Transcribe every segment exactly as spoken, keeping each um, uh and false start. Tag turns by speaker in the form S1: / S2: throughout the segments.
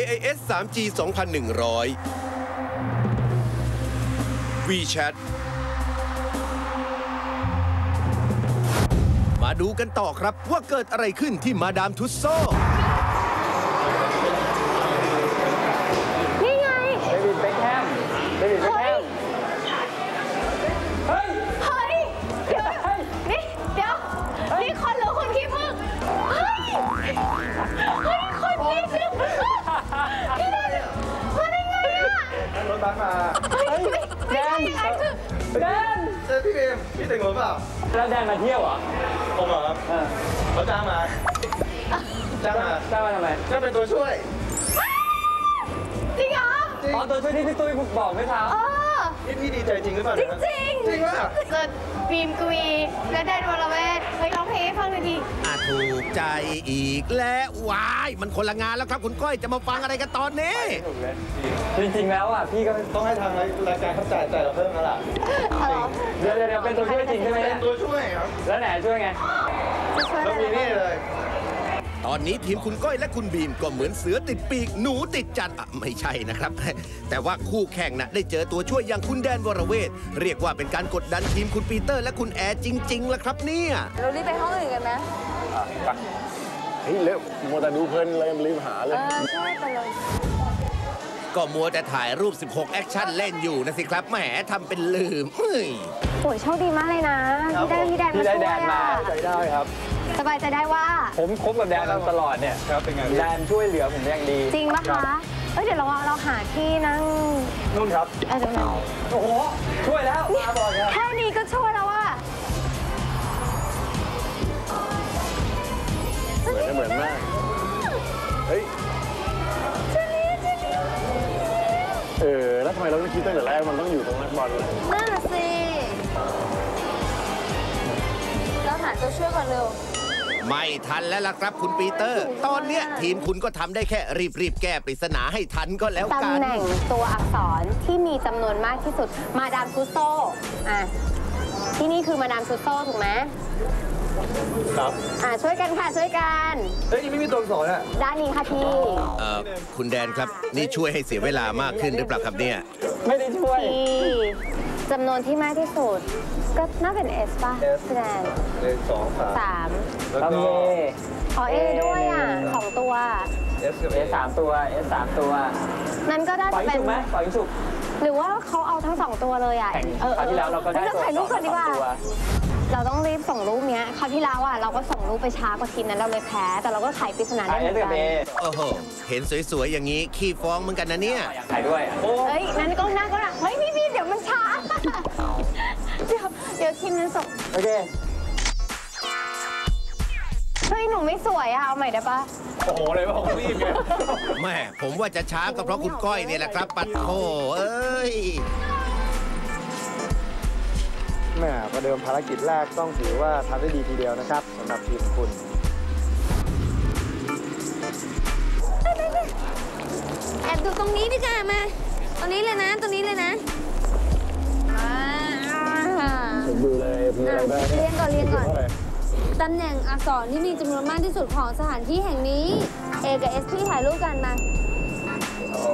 S1: ไอ เอส ทรี จี สองพันหนึ่งร้อย WeChat มาดูกันต่อครับว่าเกิดอะไรขึ้นที่มาดามทุสโซ
S2: นี่ไง
S3: เดวิดเบ็คแฮมเดวิดเบ็คแฮมเฮ้ย
S2: เฮ้ยเดี๋ยวนี่เดี๋ยวนี่คนหรือคนขี้ผึ้งเฮ้ยเฮ้ยคนขี้ผึ้งพี่แดนมาได้ไงอ่ะ
S4: รถบัสมา
S2: เฮ้ยไม่ใช่ยังไงคือ
S3: แดน
S4: เจอพี่เบมพี่แต่งรถเปล่า
S3: แล้วแดนมาเที่ยวเหรอ
S4: ผมเหรอครับเขาจ้างมาจ้างมา
S3: จ้างมาทำไม
S4: จ้างเป็นตัวช่วย
S2: จริงเหรอ
S3: อ๋อตัวช่วยที่พี่ตุ้ยบอกไม่ทำ
S4: นี่พี่ดีใจจริงหรือเปล่า
S2: จริงจริง
S4: จริงว่า
S2: เกิดบีมกวีและแดนวรเวทเฮ้ยร้องเพลงให้ฟังหน่อยดิ
S1: อาถูกใจอีกแล้วว้ายมันคนละงานแล้วครับคุณก้อยจะมาฟังอะไรกันตอนนี้
S3: จริงๆแล้วอ่ะพี่ก็
S4: ต้องให้ทางรายการเขาจ่ายจ่ายเราเพิ่มแล้วล่ะ
S3: เดี๋ยวเดี๋ยวเป็นตัวช่วยจริงใช่ไหม
S4: เป็นตัวช่วยครับ
S3: แล้วไหนช่วยไง
S4: เรามีนี่เลย
S1: ตอนนี้ทีมคุณก้อยและคุณบีมก็เหมือนเสือติดปีกหนูติดจัดไม่ใช่นะครับแต่ว่าคู่แข่งน่ะได้เจอตัวช่วยอย่างคุณแดนวรเวทเรียกว่าเป็นการกดดันทีมคุณปีเตอร์และคุณแอร์จริงๆล่ะครับเนี่ย
S2: เรารีบไปห้องอื่นกันไหม
S4: เฮ้ยเร็วมัวแต่ดูเพลินเลยรีบหาเลย
S2: ใช่ไปเลย
S1: ก็มัวแต่ถ่ายรูปสิบหกแอคชั่นเล่นอยู่นะสิครับแหมทำเป็นลืมเฮ้ย
S2: โอ้ยโชคดีมากเลยนะที่ได้พี่แดนมาช่วยอ่ะ
S4: ใจได้ครับ
S2: สบายใจได้ว่า
S3: ผมคบกับแดนตลอดเนี่ย
S4: ครับเป็นไง
S3: แดนช่วยเหลือผมอย่างดี
S2: จริงปะคะเอ้ยเดี๋ยวเราเราหาที่นั่ง
S4: นู่นครับ
S2: เออตรงนั้น
S3: โอ้โหช่วยแล้วมาบอก
S2: แค่นี้ก็ช่วยแล้วว่า
S4: เหมือนเหมือนมากเฮ้ยเออแล้วทำไมเราไม่คิดตั้งแต่แรกมันต้องอยู่ตรงนักบอลเลย
S2: นั่นสิเราหาตัวช่วยก่อนเร็ว
S1: ไม่ทันแล้วล่ะครับคุณปีเตอร์ตอนเนี้ยทีมคุณก็ทำได้แค่รีบๆแก้ปริศนาให้ทันก็แล้วกัน
S2: ตำแหน่งตัวอักษรที่มีจำนวนมากที่สุดมาดามทุสโซอ่ะที่นี่คือมาดามทุสโซถูกไหม
S4: ครับ
S2: อ่าช่วยกันค่ะช่วยกัน
S4: เฮ้ยไม่มีตัวอักษรอ่ะ
S2: ด้านนี้ค่ะพี่
S1: เอ่อคุณแดนครับนี่ช่วยให้เสียเวลามากขึ้นหรือเปล่าครับเนี่ย
S3: ไม่ได้ช่วย
S2: ที่จำนวนที่มากที่สุดก็น่าเป็นเอสป่ะพี่แดน
S4: เอสอง
S2: สาม
S3: แล้วก็
S2: อ๋อเอด้วยอ่ะสองตัว
S3: เอสกับเอสามตัวเอสสามตัว
S2: นั้นก็ได้
S3: เป็นไหมปล่อยฉุก
S2: หรือว่าเขาเอาทั้งสองตัวเลยอ่ะ
S3: เออคราวที่แล้วเราก็ได้ตัว
S2: ถ่ายรูปก่อนดีกว่าเราต้องรีบส่งรูปเนี้ยคราวที่แล้วอ่ะเราก็ส่งรูปไปช้ากว่าทีมนั้นเราเลยแพ้แต่เราก็ไขปริศนาได้เหมือนกัน
S1: โอ้โหเห็นสวยๆอย่างนี้ขี้ฟ้องเหมือนกันนะเนี่ย
S3: ถ่ายด้วย
S2: เฮ้ยนั่นก็นั่นก็เฮ้ยพี่พี่เดี๋ยวมันช้าเดี๋ยวเดี๋ยวทีมนั้นส่ง
S3: โอเค
S2: เฮ้ยหนูไม่สวยอะเอาใหม่ได้ปะ
S4: โอ้โหเลยว่าผมรีบไง
S1: แม่ผมว่าจะช้าก็เพราะคุณก้อยเนี่ยแหละครับปัดโถเอ้ย
S4: แม่ประเดิมภารกิจแรกต้องถือว่าทำได้ดีทีเดียวนะครับสำหรับทีมคุณ
S2: แอบดูตรงนี้ดีกว่ามาตรงนี้เลยนะตรงนี้เลยนะ
S4: ผมดูเลยมีอะไรบ้าง
S2: เรียนก่อนเรียนก่อนตำแหน่งอักษรที่มีจำนวนมากที่สุดของสถานที่แห่งนี้ A กับ S พี่ถ่ายรูปกันมา
S4: เอา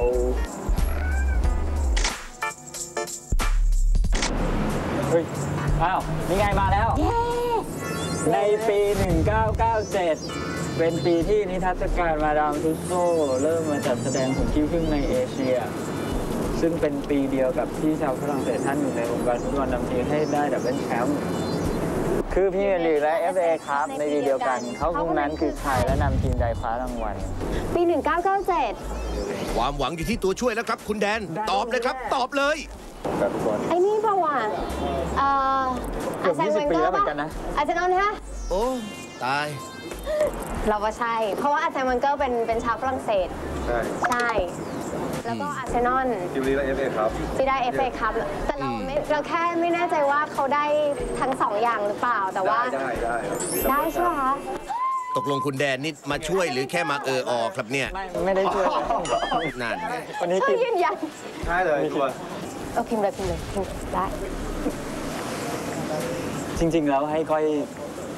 S3: เฮ้ยอ้าวนี่ไงมาแล้วในปีหนึ่งเก้าเก้าเจ็ดเป็นปีที่นิทรรศการมาดามทุสโซเริ่มมาจัดแสดงของขี้ผึ้งในเอเชียซึ่งเป็นปีเดียวกับที่ชาวฝรั่งเศสท่านอยู่ในวงการฟุตบอลนำทีมให้ได้ดับเบิลแชมป์คือพรีเมียร์ลีกและ เอฟ เอ ครับในปีเดียวกันเขาพวกนั้นคือใครและนำทีมใดคว้ารางวัล
S2: ปีหนึ่งเก้าเก้าเจ็ด
S1: ความหวังอยู่ที่ตัวช่วยแล้วครับคุณแดนตอบเลยครับตอบเลย
S2: ไอ้นี่ป่าวะเอ่ออาร์เซนเวนเกอร์ป่ะอาร์เซนอลใช่ไหม
S1: โอ้ตาย
S2: เราว่าใช่เพราะว่าอาร์เซนเวนเกอร์เป็นเป็นชาวฝรั่งเศส
S4: ใช่
S2: ใช่แล้วก็อาร์เซนอล
S4: ทีมนี้ได้ เอฟ เอ ครับ
S2: ที่ได้ เอฟ เอ ครับแต่เราไม่เราแค่ไม่แน่ใจว่าเขาได้ทั้งสองอย่างหรือเปล่าแต่ว่า
S4: ได้ได้
S2: ได้ใช่ไหมคะ
S1: ตกลงคุณแดนนี่มาช่วยหรือแค่มาเออออกครับเนี่ย
S3: ไม่ไม่ได้ช่วย
S1: นั่น
S3: วันนี้
S2: ยืนยัน
S4: ใช่เลยชัวร์
S2: เออพิมพ์เลยพิมพ์เลยพิมพ์ได้
S3: จริงๆแล้วให้ก้อย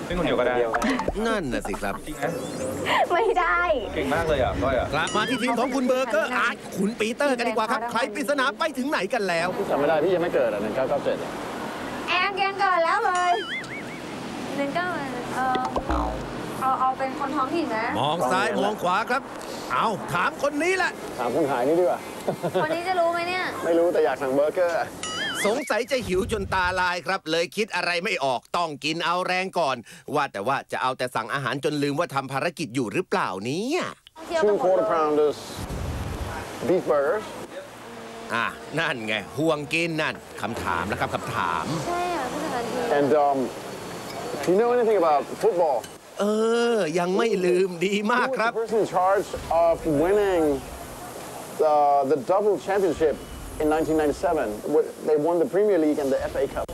S5: เป็นคนเดียวก็ได้
S1: นั่นน่ะสิครับ
S5: จริงนะ
S2: ไม่ได้
S5: เก่งมากเลยอ่ะก้อยอ่ะ
S1: กลับมาที่ทีมของคุณเบอร์เกอร์อาร์ตคุณปีเตอร์กันดีกว่าครับ ใครปริศนาไปถึงไหนกันแล้ว
S4: จำไม่ได้พี่ยังไม่เกิดอ่ะหนึ่งเก้าเก้าเจ็ด
S2: แอนแกนก่อนแล้วเลยหนึ่งเก้าเออเอาเอาเป็นคนท้องถิ่นนะ
S1: มองซ้ายมองขวาครับ เอาถามคนนี้แหละ
S4: ถามคนขายนี่ดีกว่า
S2: คนนี้จะรู้ไหมเนี่ย
S4: ไม่รู้แต่อยากสั่งเบอร์เกอร์
S1: สงสัยจะหิวจนตาลายครับ เลยคิดอะไรไม่ออกต้องกินเอาแรงก่อน ว่าแต่ว่าจะเอาแต่สั่งอาหารจนลืมว่าทำภารกิจอยู่หรือเปล่าเนี่ย
S2: เที่ยวกั
S4: two
S2: นหมด
S4: quarter
S2: เลย
S4: pounders beef burgers
S1: อ่ะนั่นไงห่วงกินนั่นคำถามนะครับคำถาม
S2: ใช่อ่ะผู้จัดการทีม
S4: and um do you know anything about football
S1: เออ ยังไม่ลืมดีมาก
S4: Who
S1: ครั
S4: was
S1: บ
S4: the person in charge of winning the the double championship in nineteen ninety-seven they won the Premier League and the เอฟ เอ Cup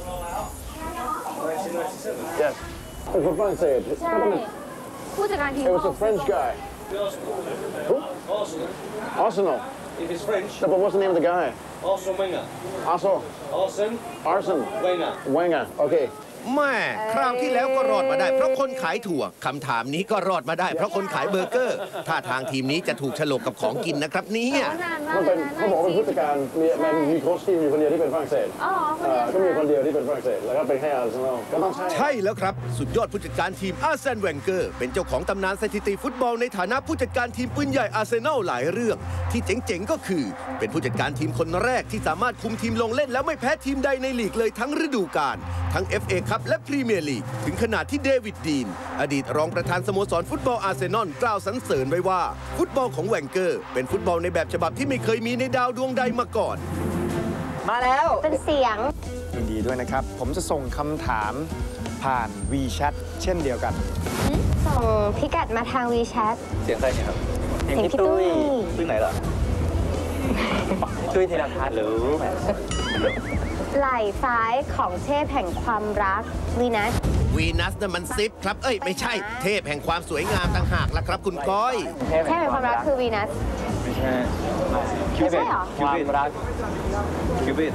S4: yes เป็นคนฝรั่งเศส
S2: ใช่ผู้จัดการทีม
S4: It was a French guy Who? Arsenal
S6: If it's French,
S4: No, but what's the name of the guy?
S6: Arsene Wenger.
S4: Arsenal
S6: Arsene
S4: Arsene
S6: Wenger.
S4: Wenger okay
S1: แม่คราวที่แล้วก็รอดมาได้เพราะคนขายถั่วคำถามนี้ก็รอดมาได้เพราะคนขายเบอร์เกอร์ท่าทางทีมนี้จะถูกฉลกกับของกินนะครับเนี่ย
S2: นานมาก
S4: มัน
S2: เล
S4: เป็
S2: ย
S4: น
S2: นะ
S4: เขาบอกว่าเป็นผู้จัดการมีมันมีโค้ชทีมอยู่คนเดียวที่เป็นฝรั่งเศส
S2: อ๋อคน
S4: เอ่
S2: เดีย
S4: อ
S2: ว
S4: ก็มีคนเดียวที่เป็นฝรั่งเศสแล้วก็เป็นแค่อาร์เซนอลก็ต้องใช่
S1: ใช่แล้วครับ สุดยอดผู้จัดการทีมอาร์เซนแวนเกอร์เป็นเจ้าของตำนานสถิติฟุตบอลในฐานะผู้จัดการทีมปืนใหญ่อาร์เซนอลหลายเรื่อง ที่เจ๋งๆก็คือ เป็นผู้จัดการทีมคนแรกที่สามารถคุมทีมลงเล่นแล้วไม่แพ้ทีมใดในลีกเลยทั้งฤดูกาลทั้ง เอฟ เอ คัพและพรีเมียร์ลีกถึงขนาดที่เดวิดดีนอดีตรองประธานสโมสรฟุตบอลอาร์เซนอลกล่าวสรรเสริญไว้ว่าฟุตบอลของแวนเกอร์เป็นฟุตบอลในแบบฉบับที่ไม่เคยมีในดาวดวงใดมาก่อน
S3: มาแล้ว
S2: เป็นเสียง
S4: ยินดีด้วยนะครับ ผมจะส่งคำถามผ่าน WeChat เช่นเดียวกัน
S2: ส่งพิกัดมาทาง WeChat
S5: เสียงใครเนี่ยครับ
S2: เสียงพี่ตุ้ย
S5: ซึ่งไหนล่ะ
S3: ตุ้ยธีรพัฒน์หรือ
S2: ไหล่ซ้ายของเทพแห่งความรักวีนัส
S1: วีนัสน่ะมันซิปครับเอ้ยไม่ใช่เทพแห่งความสวยงามต่างหากละครับคุณก้อย
S2: เทพแห่งความรักคือวีนัส
S5: ไม่ใช่
S2: ไม่ใช่เหรอ
S3: ความรัก
S5: คิวบิด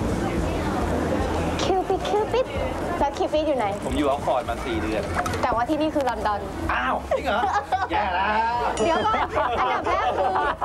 S2: คิวปิดคิวปิดแล้วคิวปิดอยู่ไหน
S5: ผมอยู่ออกฟอร์ดมาสี่เดือน
S2: แต่ว่าที่นี่คือลอนดอน
S5: อ้าว จริงเหรอ แย่แล้ว
S2: เดี๋ยวก่อนอันดับแรกคือ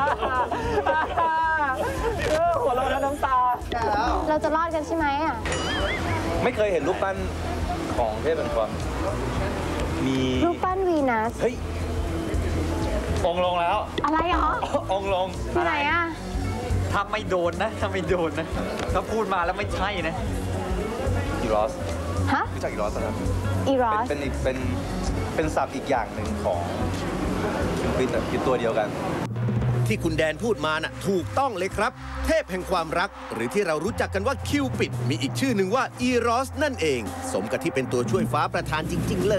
S3: เออหัวเราะแล้วน้ำตา
S2: เราจะรอดกันใช่ไหมอ่ะ
S5: ไม่เคยเห็นรูปปั้นของเทพเป็นความมี
S2: รูปปั้นวีนัส
S5: เฮ้ย องค์ลงแล้ว
S2: อะไรหรอ
S5: องค์ลง
S2: ที่ไหนอ่ะ
S3: ถ้าไม่โดนนะถ้าไม่โดนนะถ้าพูดมาแล้วไม่ใช่นะ
S5: อีรอส
S2: ฮะ
S5: รู้จักอีรอสไหม
S2: อีรอส
S5: เป็นอีกเป็นเป็นศัพท์อีกอย่างหนึ่งของคิวบิดแต่คือตัวเดียวกัน
S1: ที่คุณแดนพูดมาน่ะถูกต้องเลยครับ เทพแห่งความรัก หรือที่เรารู้จักกันว่าคิวปิดมีอีกชื่อหนึ่งว่าอีรอสนั่นเอง สมกับที่เป็นตัวช่วยฟ้าประธานจริง ๆ เลย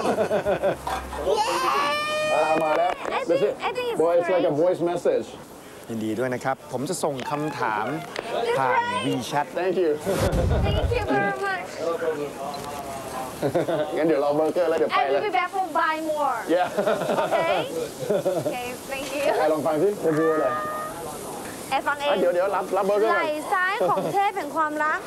S4: อ่ามาแล้ว
S2: I think I think it's
S4: Boy it's like a
S2: great.
S4: voice message ยินดีด้วยนะครับ ผมจะส่งคำถามผ่าน WeChat Thank you
S2: Thank you very much
S4: งั้นเดี๋ยวเราเบอร์เกอร์แล้วเดี๋ยวไป
S2: I
S4: เล
S2: will
S4: ย
S2: be back for buy more
S4: Yeah
S2: Okay Okay thank you
S4: ไอ้ลองฟังสิพูดเลย
S2: แอดฟังเอ
S4: อ่ะ
S2: ง
S4: เดี๋ยวเดี๋ยวรับรับเบอร์เกอร์
S2: ไห
S4: ก่อ
S2: ล่
S4: น
S2: ซ้ายของเทพแห่งความรัก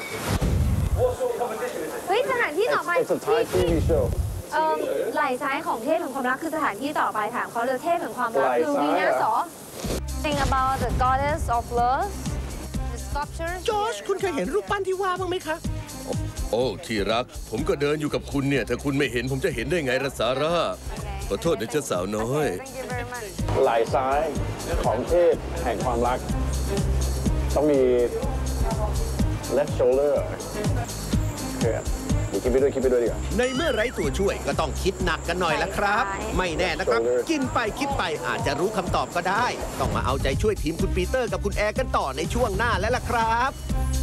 S2: เฮ้ยสถานที่ต่อไป
S4: It's a Thai ที วี show
S2: เอ่อไหล่ซ้ายของเทพแห่งความรักคือสถานที่ต่อไปถามเขาเลยเทพแห่งความรัก
S4: ไหล่
S2: คือ
S4: ซ้าย
S2: วีนัส
S4: เหรอ
S2: เหรอ Think about the goddess of love the sculptures
S1: จอร์จคุณเคยเห็นรูปปั้นที่ว่าบ้างไหมคะ โอ้ที่รัก ผมก็เดินอยู่กับคุณเนี่ย ถ้าคุณไม่เห็นผมจะเห็นได้ไงล่ะซาร่า ขอโทษนะเจ้าสาวน้อย
S2: Thank you very much
S4: ไหล่ซ้ายของเทพแห่งความรัก ต้องมี left shoulder โอเคเดี๋ยวคิดไปด้วยคิดไปด้วยดีกว่า
S1: ในเมื่อไร้ตัวช่วยก็ต้องคิดหนักกันหน่อยละครับ ไม่แน่นะครับ กินไปคิดไปอาจจะรู้คำตอบก็ได้ ต้องมาเอาใจช่วยทีมคุณปีเตอร์กับคุณแอร์กันต่อในช่วงหน้าแล้วล่ะครับ